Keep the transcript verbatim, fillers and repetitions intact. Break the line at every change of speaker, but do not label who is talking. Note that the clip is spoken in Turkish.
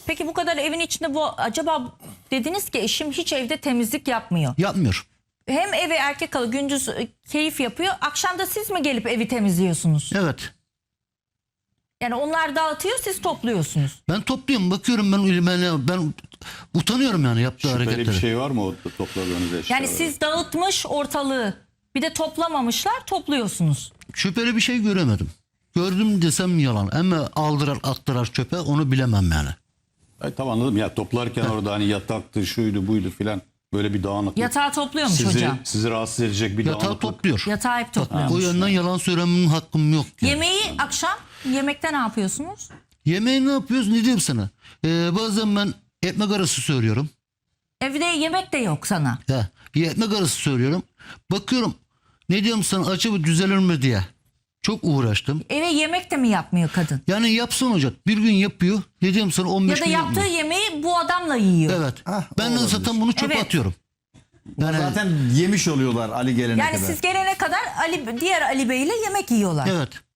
Peki bu kadar evin içinde bu acaba dediniz ki eşim hiç evde temizlik yapmıyor.
Yapmıyor.
Hem eve erkek kalıyor, gündüz e, keyif yapıyor. Akşam da siz mi gelip evi temizliyorsunuz?
Evet.
Yani onlar dağıtıyor, siz topluyorsunuz.
Ben topluyorum, bakıyorum ben ben, ben utanıyorum yani yaptığı
Şüpheli
hareketleri.
bir şey var mı o topladığınız eşyalarda?
Yani siz dağıtmış ortalığı, bir de toplamamışlar, topluyorsunuz.
Şüpheli bir şey göremedim. Gördüm desem yalan. Ama aldırar attırar çöpe, onu bilemem yani.
Ay, tamam anladım ya, toplarken orada hani yataktı, şuydu buydu filan, böyle bir dağınıklık.
Yatağı topluyormuş
sizi,
hocam.
sizi rahatsız edecek bir
Yatağı
dağınıklık.
topluyor.
Yatağı hep topluyormuş.
O yönden yalan söylemenin hakkım yok. Yani.
Yemeği akşam, yemekte ne yapıyorsunuz?
Yemeği ne yapıyoruz, ne diyeyim sana? Ee, bazen ben ekmek arası söylüyorum.
Evde yemek de yok sana.
Ya, bir ekmek arası söylüyorum. Bakıyorum, ne diyorum sana, acaba düzelir mi diye. Çok uğraştım.
Eve yemek de mi yapmıyor kadın?
Yani yapsın olacak. Bir gün yapıyor. Ne diyorum sana, on beş
Ya da
gün
yaptığı
yapmıyor.
yemeği bu adamla yiyor.
Evet.
Ah,
ben de
olabilir.
zaten bunu çöpe
Evet.
atıyorum.
Yani zaten yemiş oluyorlar Ali gelene
Yani
kadar.
siz gelene kadar Ali, diğer Ali Bey ile yemek yiyorlar.
Evet.